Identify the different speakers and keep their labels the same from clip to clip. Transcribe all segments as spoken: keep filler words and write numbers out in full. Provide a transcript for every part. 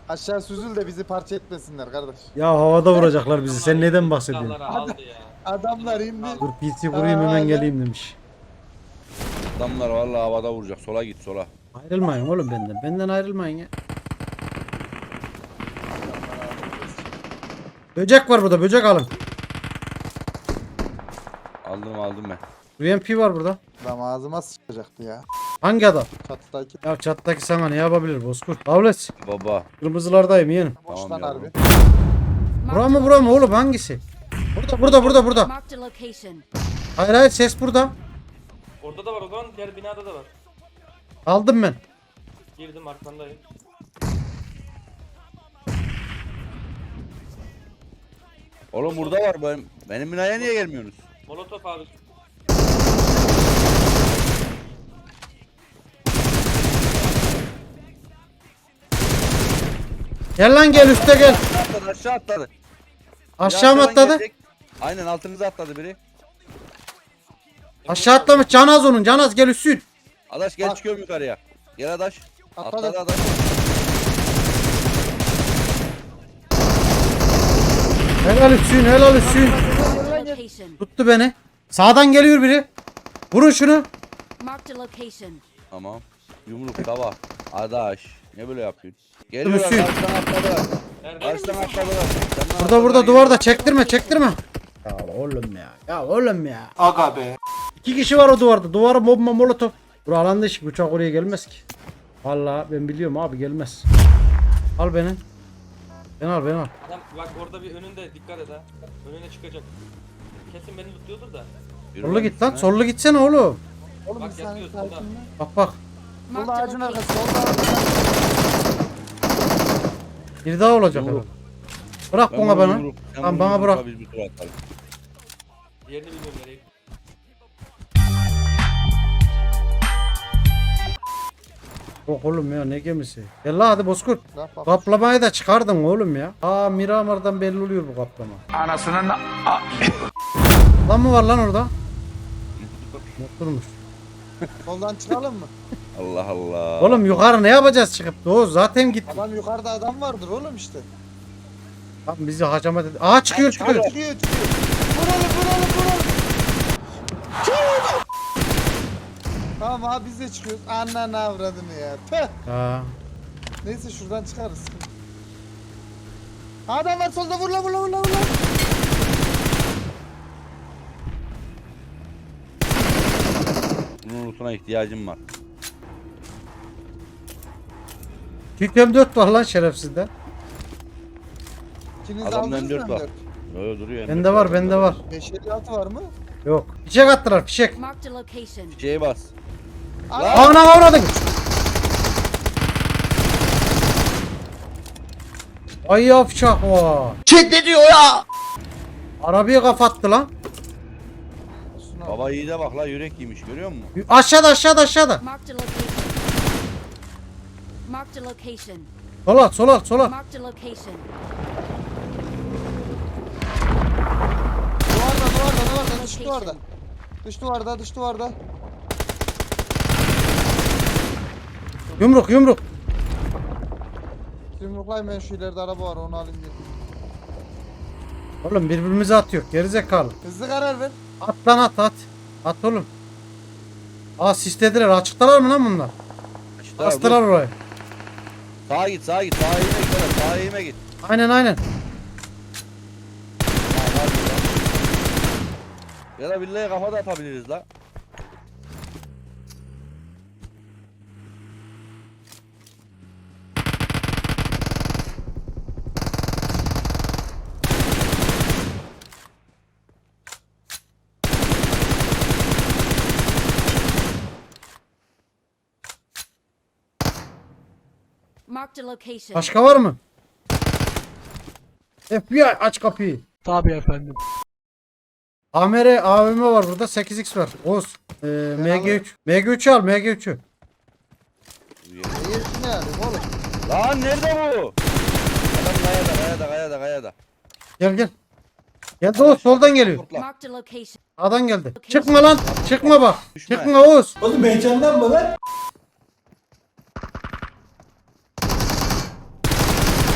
Speaker 1: Aşağı süzül de bizi parça etmesinler kardeş.
Speaker 2: Ya havada vuracaklar bizi. Sen neden bahsediyorsun?
Speaker 3: Silahları aldı ya.
Speaker 1: Adamlar indi.
Speaker 2: Dur P C kurayım hemen
Speaker 1: Aa,
Speaker 2: geleyim demiş.
Speaker 4: Adamlar vallahi havada vuracak. Sola git sola.
Speaker 2: Ayrılmayın oğlum benden. Benden ayrılmayın ya. Böcek var burada. Böcek alın.
Speaker 4: Aldım aldım ben.
Speaker 2: U M P var burada.
Speaker 1: Adam ağzıma sıçacaktı ya.
Speaker 2: Hangi adam?
Speaker 1: Çatıdaki.
Speaker 2: Ya çattaki sana ne yapabilir Bozkurt? Avlet.
Speaker 4: Baba.
Speaker 2: Kırmızılardayım yeğenim.
Speaker 1: Boş
Speaker 4: Tamam
Speaker 1: lan
Speaker 4: ya.
Speaker 1: harbi.
Speaker 2: Bura mı bura mı oğlum hangisi? Burada burada burada burada.
Speaker 5: Marked a location.
Speaker 2: Hayır hayır ses burada.
Speaker 3: Orada da var o zaman, diğer binada da var.
Speaker 2: Aldım ben.
Speaker 3: Girdim arkandayım.
Speaker 4: Oğlum burada var benim. Benim binaya niye gelmiyorsunuz?
Speaker 3: Molotof abi.
Speaker 2: Gel lan gel üste gel.
Speaker 4: Aşağı atladı aşağı atladı.
Speaker 2: Aşağı mı
Speaker 4: Biri
Speaker 2: atladı?
Speaker 4: gelecek. Aynen altınıza atladı biri.
Speaker 2: Aşağı atlamış. Canaz onun. Canaz gel üstün.
Speaker 4: Adaş gel
Speaker 1: Bak.
Speaker 4: çıkıyorum yukarıya. Gel Adaş.
Speaker 1: Atladı.
Speaker 4: Atladı Adaş.
Speaker 2: Helal üstün helal üstün.
Speaker 5: Marked a location.
Speaker 2: Tuttu beni. Sağdan geliyor biri. Vurun şunu.
Speaker 5: Marked a location.
Speaker 4: Tamam. Yumruk tava. Adaş. Ne böyle yapıyorsun? Geliyorlar
Speaker 2: Hüsnü.
Speaker 4: karşıdan atladılar.
Speaker 3: Nerede?
Speaker 4: Karşıdan atladılar. Senden
Speaker 2: Burada
Speaker 4: atladılar,
Speaker 2: burada
Speaker 4: geliyorlar.
Speaker 2: duvarda çektirme çektirme. Ya oğlum ya. Ya oğlum ya.
Speaker 1: Aga be.
Speaker 2: İki kişi var o duvarda. Duvarı bomba molotof. Bura alanda iş. Uçak oraya gelmez ki. Vallahi ben biliyorum abi gelmez. Al beni. Ben al ben al.
Speaker 3: Adam bak orada bir önünde, dikkat et ha. Önüne çıkacak. Kesin beni tutuyordur da.
Speaker 4: Yürü
Speaker 2: Sollu
Speaker 4: lan
Speaker 2: git lan.
Speaker 4: üstüne.
Speaker 2: Sollu gitsene oğlum.
Speaker 1: Oğlum
Speaker 3: Bak
Speaker 1: bir saniye
Speaker 3: yatıyor solda.
Speaker 1: sakin mi?
Speaker 2: Bak bak.
Speaker 1: Solda
Speaker 5: Marked a
Speaker 1: ağacın arkası.
Speaker 5: location.
Speaker 1: Solda ağacın.
Speaker 2: Bir daha olacak
Speaker 4: Yumruk.
Speaker 2: herhalde. Bırak
Speaker 4: Ben
Speaker 2: bana
Speaker 4: bunu
Speaker 2: bana.
Speaker 4: yumruk- sen
Speaker 2: Tamam,
Speaker 4: bunu
Speaker 2: bana
Speaker 4: yumrukla
Speaker 2: bırak.
Speaker 4: biz bir tur atalım.
Speaker 3: Diğerini bilmiyorum nereye.
Speaker 2: Yok oğlum ya ne gemisi. Gel la hadi Bozkurt.
Speaker 1: Bak bak.
Speaker 2: Kaplamayı da çıkardın oğlum ya. Aa Miramar'dan belli oluyor bu kaplama.
Speaker 6: Anasının
Speaker 2: Lan mı var lan orada? Mutluymuş.
Speaker 1: Soldan çıkalım mı?
Speaker 4: Allah Allah.
Speaker 2: Oğlum yukarı ne yapacağız çıkıp? Doğu zaten git.
Speaker 1: Adam yukarıda adam vardır oğlum işte.
Speaker 2: Lan bizi hacamat et. Aha çıkıyor çıkıyor.
Speaker 1: Çıkıyor çıkıyor. Vuralım vuralım vuralım. Tamam abi biz de çıkıyoruz. Ananı avradını ya. Tüh.
Speaker 2: Ha.
Speaker 1: Neyse şuradan çıkarız. Adam var solda vur la vur la vur la vur la.
Speaker 4: Bunun lootuna ihtiyacım var.
Speaker 2: Türk M dört var lan şerefsizde.
Speaker 1: İkiniz
Speaker 4: Adamda
Speaker 1: aldınız
Speaker 4: M
Speaker 1: mı
Speaker 4: dört var.
Speaker 1: M dört?
Speaker 4: Öyle duruyor.
Speaker 2: Bende var bende var.
Speaker 1: beş elli altı var mı?
Speaker 2: Yok. Fişek attılar fişek.
Speaker 5: Marked a location.
Speaker 4: Şeye bas.
Speaker 1: Aa,
Speaker 2: Ana avradın. Ay yavşak o.
Speaker 6: Çek ne diyor ya?
Speaker 2: Arabayı kapattı lan.
Speaker 1: şuna bak.
Speaker 4: Baba iyi de bak la yürek yemiş görüyor musun?
Speaker 2: Aşağıda aşağıda aşağıda.
Speaker 5: Marked a location. Marked a location.
Speaker 2: Sola sola sola.
Speaker 5: Marked a location.
Speaker 1: Duvarda duvarda duvarda dış duvarda. Dış duvarda dış duvarda.
Speaker 2: Yumruk yumruk.
Speaker 1: Yumruklayın ben şu ileride araba var onu alayım gelin.
Speaker 2: Oğlum birbirimize atıyor. Gerizekalı.
Speaker 1: Hızlı karar ver.
Speaker 2: At lan at at. At oğlum. Aa sislediler. Açıktalar mı lan bunlar?
Speaker 4: İşte
Speaker 2: Bastılar
Speaker 4: dur.
Speaker 2: orayı.
Speaker 4: Sağa git sağa git sağa eğime git hele, sağa eğime git.
Speaker 2: Aynen aynen.
Speaker 4: Ha, hadi lan. Ya da billahi kafa da atabiliriz la.
Speaker 5: Marked a location.
Speaker 2: Başka var mı? F B I aç kapıyı.
Speaker 6: Tabii efendim.
Speaker 2: A M R A V M var burada. sekiz x var. Oğuz. Ee, M G üç. M G üç'ü al M G üç'ü.
Speaker 1: Neyir ne alayım oğlum?
Speaker 4: Lan nerede bu? Adam kayada kayada kayada kayada.
Speaker 2: Gel gel. Gel Oğuz soldan geliyor.
Speaker 4: Kurtla.
Speaker 5: Marked a location.
Speaker 2: Sağdan geldi. Çıkma lan. Çıkma bak.
Speaker 4: Düşme.
Speaker 2: Çıkma Oğuz.
Speaker 7: Oğlum heyecanlanma lan.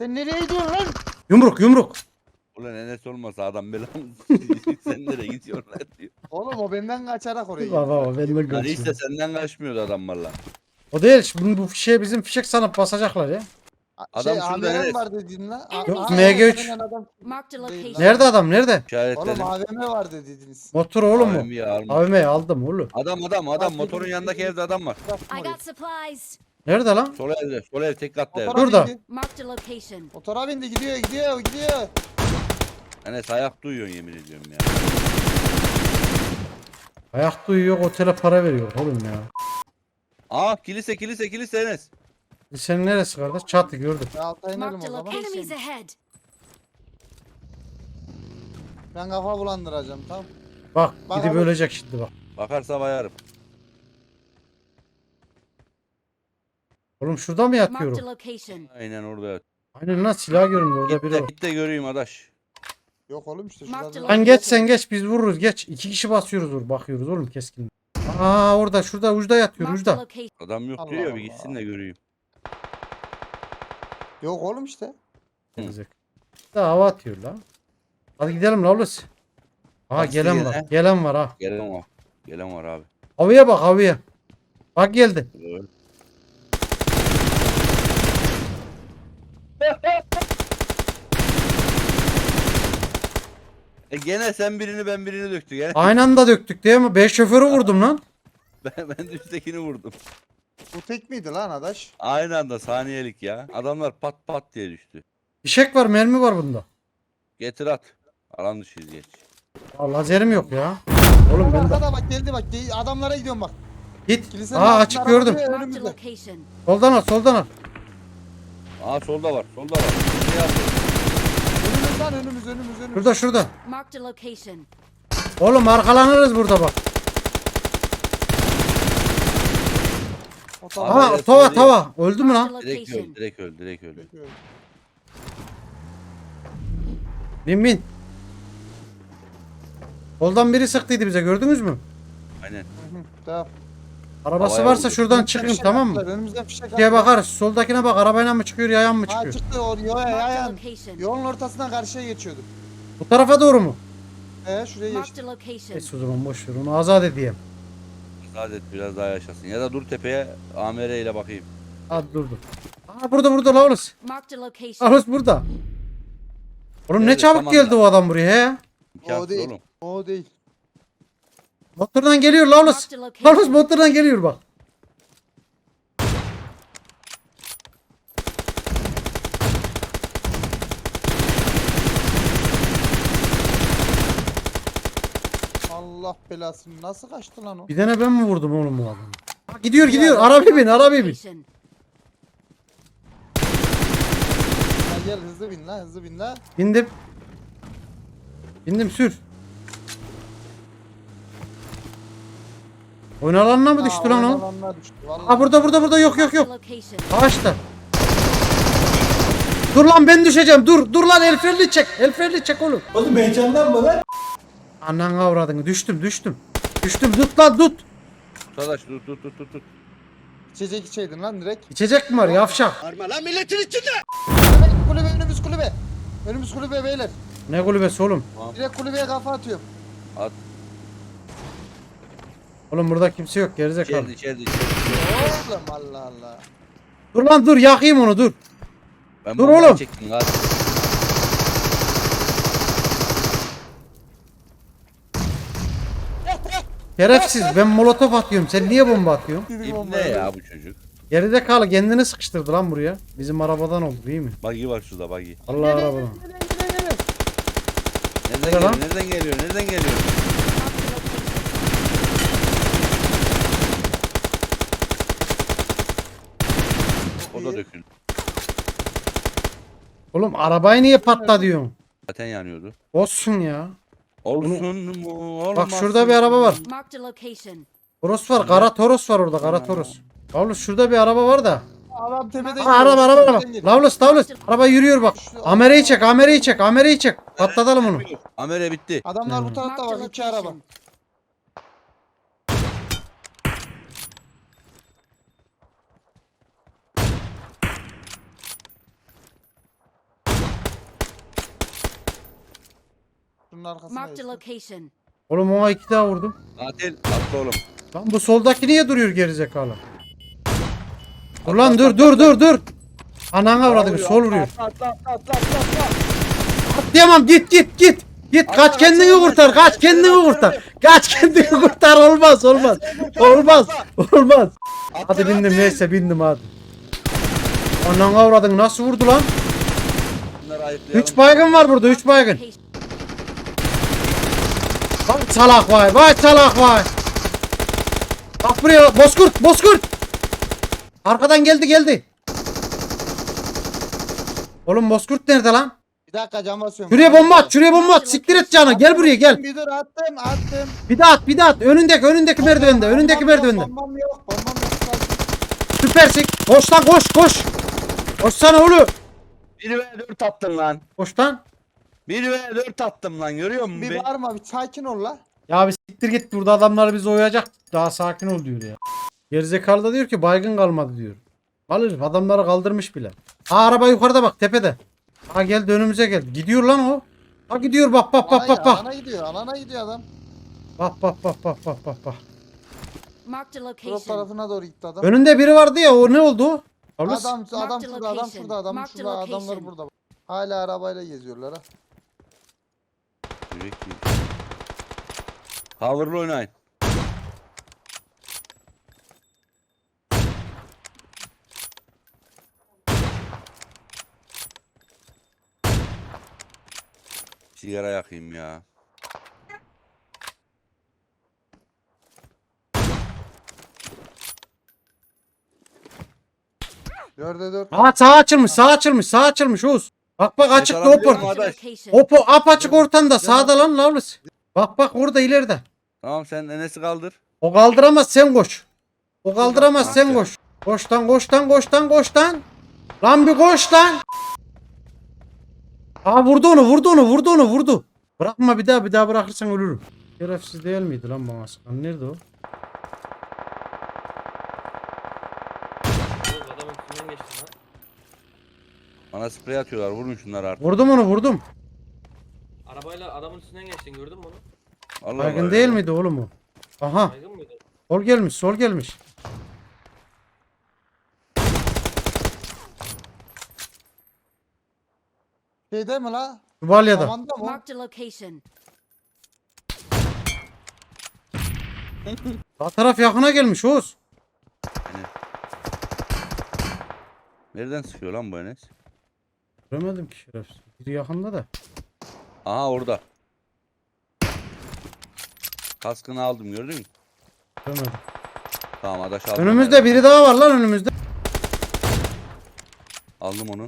Speaker 1: Sen nereye gidiyorsun lan?
Speaker 2: Yumruk yumruk.
Speaker 4: Ulan Enes olmasa adam belamı sen nereye gidiyorsun lan diyor.
Speaker 1: Oğlum o benden kaçarak oraya gidiyor.
Speaker 2: Baba baba ben de
Speaker 4: Hani
Speaker 2: kaçıyorum.
Speaker 4: işte senden kaçmıyordu adam valla.
Speaker 2: O değil. Bunu bu fişeğe bizim fişek sanıp basacaklar ya.
Speaker 1: Şey
Speaker 4: Adam şurada
Speaker 1: A V M
Speaker 4: Enes.
Speaker 1: var dedin lan. A-
Speaker 5: Yok,
Speaker 1: Aa,
Speaker 2: M G üç.
Speaker 1: aynen adam.
Speaker 5: Marked a
Speaker 1: Değil
Speaker 5: location.
Speaker 1: lan.
Speaker 2: Nerede adam nerede?
Speaker 1: Oğlum
Speaker 4: İşaretledim.
Speaker 1: A V M var dediniz.
Speaker 2: Motor oğlum mu?
Speaker 4: A V M'yi alma.
Speaker 2: A V M'yi aldım oğlum.
Speaker 4: Adam adam adam
Speaker 1: Bak,
Speaker 4: motorun
Speaker 1: dedim,
Speaker 4: yanındaki
Speaker 1: dedim.
Speaker 4: evde adam var.
Speaker 5: I got supplies.
Speaker 2: Nerede lan?
Speaker 4: Sol evde. Sol ev tek katlı ev.
Speaker 1: Motora
Speaker 2: Burada.
Speaker 1: bindi.
Speaker 5: Marked a location.
Speaker 1: Motora bindi gidiyor gidiyor gidiyor.
Speaker 4: Enes ayak duyuyorsun yemin ediyorum ya.
Speaker 2: Ayak duyuyor otele para veriyor oğlum ya.
Speaker 4: Aa kilise kilise kilise Enes.
Speaker 2: Senin neresi kardeş? Çatı gördüm.
Speaker 1: Ya alta inelim
Speaker 5: Marked
Speaker 1: o
Speaker 5: a
Speaker 1: zaman.
Speaker 5: location. Enemies ahead.
Speaker 1: Ben kafa bulandıracağım tamam.
Speaker 2: Bak
Speaker 1: Bak
Speaker 2: gidip
Speaker 1: abi.
Speaker 2: ölecek şimdi bak.
Speaker 4: Bakarsa bayarım.
Speaker 2: Oğlum şurada mı
Speaker 5: Marked a
Speaker 2: yatıyorum?
Speaker 5: location.
Speaker 4: Aynen orada yat.
Speaker 2: Aynen lan silah göründü orada
Speaker 4: Git
Speaker 2: biri
Speaker 4: de,
Speaker 2: var.
Speaker 4: git de göreyim adaş.
Speaker 1: Yok oğlum işte
Speaker 5: Mark
Speaker 1: şurada.
Speaker 5: the
Speaker 2: Lan geç sen geç biz vururuz geç. İki kişi basıyoruz vur bakıyoruz oğlum keskin. Aa orada şurada ucda yatıyor
Speaker 5: Marked a
Speaker 2: ucda.
Speaker 5: location.
Speaker 4: Adam yok
Speaker 1: Allah
Speaker 4: diyor ya bir
Speaker 1: Allah.
Speaker 4: gitsin de göreyim.
Speaker 1: Yok oğlum işte.
Speaker 2: Gerizek. Daha hava atıyor lan. Hadi gidelim la Hulusi. Aha
Speaker 4: Bak
Speaker 2: gelen
Speaker 4: size
Speaker 2: var.
Speaker 4: gelen.
Speaker 2: Gelen var ha.
Speaker 4: Gelen var. Gelen var abi.
Speaker 2: Havaya bak havaya. Bak geldi.
Speaker 4: Evet. E gene sen birini ben birini döktü gene.
Speaker 2: Aynı anda döktük değil mi? Ben şoförü vurdum lan.
Speaker 4: Ben, ben de üsttekini vurdum.
Speaker 1: Bu tek miydi lan adaş?
Speaker 4: Aynı anda saniyelik ya. Adamlar pat pat diye düştü.
Speaker 2: Fişek var mermi var bunda.
Speaker 4: Getir at. Alan dışıyız geç.
Speaker 2: Aa, lazerim yok ya. Oğlum ben de
Speaker 1: Arkada bak geldi bak gel- adamlara gidiyorum bak.
Speaker 2: git.
Speaker 1: Kilisenin
Speaker 2: Aa
Speaker 1: altında
Speaker 2: açık
Speaker 1: araba
Speaker 2: gördüm.
Speaker 1: duruyor
Speaker 5: Marked a
Speaker 1: önümüzde.
Speaker 5: location.
Speaker 2: Soldan al soldan al.
Speaker 4: Aa solda var. Solda var. Ne yaptın?
Speaker 1: Önümüz lan önümüz önümüz önümüz.
Speaker 2: Şurada şurada.
Speaker 5: Marked a location.
Speaker 2: Oğlum arkalanırız burada bak.
Speaker 1: O
Speaker 4: Abi,
Speaker 1: tamam.
Speaker 2: Aha
Speaker 4: evet,
Speaker 2: tava
Speaker 4: söyleyeyim.
Speaker 2: tava. Öldü mü
Speaker 5: Marked a
Speaker 2: lan?
Speaker 4: Direkt öl.
Speaker 5: location.
Speaker 4: Direkt öl. Direkt öl.
Speaker 2: Bin bin. Soldan biri sıktıydı bize gördünüz mü?
Speaker 4: Aynen.
Speaker 1: Hı, Tamam.
Speaker 2: Arabası
Speaker 4: Havaya
Speaker 2: varsa
Speaker 4: vurdu.
Speaker 2: şuradan
Speaker 1: Önümüzden
Speaker 2: çıkayım
Speaker 1: fişek
Speaker 2: tamam mı?
Speaker 1: attılar, Önümüzden fişek
Speaker 2: Diye
Speaker 1: attılar.
Speaker 2: bakarız. Soldakine bak arabayla mı çıkıyor yayan mı
Speaker 1: Ha
Speaker 2: çıkıyor?
Speaker 1: çıktı o yoya
Speaker 5: Marked a
Speaker 1: yayan.
Speaker 5: location.
Speaker 1: Yolun ortasından karşıya geçiyordu.
Speaker 2: Bu tarafa doğru mu?
Speaker 1: He şuraya geçti.
Speaker 5: Marked a location.
Speaker 2: Neyse o zaman boş ver onu azat edeyim.
Speaker 4: Saadet biraz daha yaşasın. Ya da dur tepeye A M R ile bakayım.
Speaker 2: Hadi dur dur. Aa burada burada Laulus.
Speaker 5: Marked a location.
Speaker 2: Laulus burada. Oğlum ne
Speaker 4: Evet,
Speaker 2: çabuk
Speaker 4: tamam
Speaker 2: geldi
Speaker 4: da.
Speaker 2: o adam buraya he.
Speaker 4: İmkansız
Speaker 1: O değil.
Speaker 4: oğlum.
Speaker 1: O değil.
Speaker 2: Motordan geliyor Laulus.
Speaker 5: Marked a
Speaker 2: Laulus
Speaker 5: location.
Speaker 2: motordan geliyor bak.
Speaker 1: Allah belasını nasıl kaçtı lan o?
Speaker 2: Bir tane ben mi vurdum oğlum bu adamı? Ha, gidiyor gidiyor arabaya bin arabaya bin.
Speaker 5: Location.
Speaker 1: Ha, gel hızlı bin lan hızlı bin lan.
Speaker 2: Bindim. Bindim sür. Oyun alanına mı düştü
Speaker 1: Aa,
Speaker 2: lan o?
Speaker 1: oynalanlar düştü, vallahi.
Speaker 2: Ha burada burada burada yok yok
Speaker 5: Marked a
Speaker 2: yok.
Speaker 5: location.
Speaker 2: Ağaçta. Dur lan ben düşeceğim dur dur lan el freni çek el freni çek oğlum. Oğlum heyecanlanma lan. Anan avradını düştüm düştüm. Düştüm tut lan tut.
Speaker 4: Arkadaş dur dur dur dur dur.
Speaker 1: İçecek içeydin lan direkt.
Speaker 2: İçecek mi var yavşak?
Speaker 1: Kulübe, kulübe önümüz kulübe. Önümüz kulübe beyler.
Speaker 2: Ne kulübesi oğlum?
Speaker 1: Direkt kulübeye kafa atıyorum.
Speaker 4: At.
Speaker 2: Oğlum burada kimse yok gerizekalı.
Speaker 4: İçeride içeride içeride.
Speaker 1: Oğlum Allah Allah.
Speaker 2: Dur lan dur yakayım onu dur.
Speaker 4: Ben
Speaker 2: Dur
Speaker 4: bombayı
Speaker 2: oğlum.
Speaker 4: çektim hadi.
Speaker 2: Şerefsiz ben molotof atıyorum sen niye bomba atıyorsun?
Speaker 4: İbne ya bu çocuk.
Speaker 2: Gerizekalı kendini sıkıştırdı lan buraya. Bizim arabadan oldu değil mi?
Speaker 4: Buggy var şurada buggy.
Speaker 2: Allah arabadan.
Speaker 4: Nereden
Speaker 2: Nerede lan?
Speaker 4: geliyor? Nereden geliyor? Nereden geliyor? O da döküldü.
Speaker 2: Oğlum arabayı niye patla diyorsun?
Speaker 4: Zaten yanıyordu.
Speaker 2: Olsun ya.
Speaker 4: Olsun mu? Olmaz.
Speaker 2: Bak şurada bir araba var.
Speaker 5: Marked a location.
Speaker 2: Toros var. Kara Toros var orada. Kara Toros. Lavlus şurada bir araba var da.
Speaker 1: Adam tepeden
Speaker 2: Aa, araba araba araba.
Speaker 1: geliyor.
Speaker 2: Lavlus Lavlus. Araba yürüyor bak. Amerayı çek. Amerayı çek. Amerayı çek. Patlatalım onu.
Speaker 4: Amere bitti.
Speaker 1: Adamlar bu tarafta
Speaker 5: Marked a
Speaker 1: bak iki araba.
Speaker 5: location.
Speaker 1: Şunun arkasına
Speaker 5: Marked a
Speaker 1: geçti.
Speaker 5: location.
Speaker 2: Oğlum ona iki daha vurdum.
Speaker 4: Katil atla oğlum.
Speaker 2: Lan bu soldaki niye duruyor gerizekalı? Dur lan dur dur dur dur. Ananı avradını sol vuruyor.
Speaker 4: Atla atla atla atla atla.
Speaker 2: Atlayamam git git git. Git kaç kendini kurtar kaç kendini kurtar. Kaç kendini kurtar olmaz olmaz. Olmaz olmaz. Hadi bindim neyse bindim hadi. Ananı avradını nasıl vurdu lan?
Speaker 4: Bunları ayıklayalım.
Speaker 2: Üç baygın var burada üç baygın.
Speaker 5: Location.
Speaker 2: Vay salak vay vay salak vay. Bak buraya bozkurt bozkurt. Arkadan geldi geldi. Oğlum bozkurt nerede lan?
Speaker 1: Bir dakika cam basıyorum.
Speaker 2: Şuraya bomba at şuraya bomba at. Siktir et canı gel buraya gel.
Speaker 1: Bir dur attım attım.
Speaker 2: Bir daha at bir daha at. Önündeki önündeki merdivende önündeki
Speaker 1: Bombam yok,
Speaker 2: merdivende.
Speaker 1: Bombam yok bombam yok.
Speaker 2: Süpersin. Koş lan koş koş. Koşsana oğlum.
Speaker 4: bir ve dört attım lan.
Speaker 2: Koş lan.
Speaker 4: bir ve dört attım lan görüyor musun?
Speaker 1: Bir
Speaker 4: be?
Speaker 1: bağırma bir sakin ol la.
Speaker 2: Ya bir siktir git burada adamlar bizi oyacak. Daha sakin ol diyor ya. Gerizekalı da diyor ki baygın kalmadı diyor. Alır adamları kaldırmış bile. Ha araba yukarıda bak tepede. Ha geldi önümüze geldi. Gidiyor lan o. Ha gidiyor bak bak bak
Speaker 1: Alana,
Speaker 2: bak bak.
Speaker 1: alana gidiyor alana gidiyor adam.
Speaker 2: Bak bak bak bak bak bak bak.
Speaker 5: Marked a
Speaker 1: Drop
Speaker 5: location.
Speaker 1: tarafına doğru gitti adam.
Speaker 2: Önünde biri vardı ya o ne oldu? Ablas.
Speaker 1: Adam adam
Speaker 5: Marked
Speaker 1: şurada adam
Speaker 5: location.
Speaker 1: şurada adam
Speaker 5: Marked
Speaker 1: şurada adamlar
Speaker 5: location.
Speaker 1: burada. Hala arabayla geziyorlar ha.
Speaker 4: Yürek değil. Cover'lı oynayın. Sigara yakayım ya.
Speaker 1: Dörde dört.
Speaker 2: Aa sağ açılmış sağ açılmış sağ açılmış Oğuz. Bak bak açık
Speaker 4: taraf
Speaker 2: top
Speaker 4: biliyorum
Speaker 2: orta.
Speaker 4: abi.
Speaker 5: Marked a location.
Speaker 2: Opo apaçık ortanda sağda lan Lavlis. Bak bak orada ileride.
Speaker 4: Tamam sen Enes'i kaldır.
Speaker 2: O kaldıramaz sen koş. O kaldıramaz sen
Speaker 4: Aferin.
Speaker 2: koş. Koş lan koş lan koş lan koş lan. Lan bir koş lan. Aa vurdu onu vurdu onu vurdu onu vurdu. Bırakma bir daha bir daha bırakırsan ölürüm. Şerefsiz değil miydi lan bana sıkan? Nerede o?
Speaker 3: Oğlum adamın üstünden geçtin lan.
Speaker 4: Bana sprey atıyorlar vurun şunları artık.
Speaker 2: Vurdum onu vurdum.
Speaker 3: Arabayla adamın üstünden geçtin gördün mü onu?
Speaker 4: Allah
Speaker 2: Baygın
Speaker 4: Allah
Speaker 2: değil
Speaker 4: ya.
Speaker 2: miydi oğlum o? Aha
Speaker 3: Baygın mıydı?
Speaker 2: sol gelmiş sol gelmiş.
Speaker 1: Şeyde mi la?
Speaker 2: Şu balyada.
Speaker 1: Tavanda mı?
Speaker 5: Marked a location.
Speaker 2: Sağ taraf yakına gelmiş Oğuz.
Speaker 4: Nereden sıkıyor lan bu Enes?
Speaker 2: Göremedim ki şerefsiz. Biri yakında da.
Speaker 4: Aha orada. Kaskını aldım gördün mü?
Speaker 2: Göremedim.
Speaker 4: Tamam adaş aldım.
Speaker 2: Önümüzde biri daha var lan önümüzde.
Speaker 4: Aldım onu.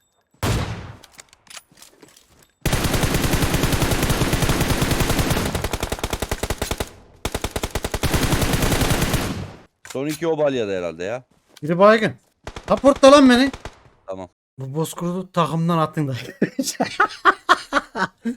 Speaker 4: Son iki o balyada herhalde ya.
Speaker 2: Biri baygın. Raportla lan beni.
Speaker 4: Tamam.
Speaker 2: Bu bozkurdu takımdan attın da.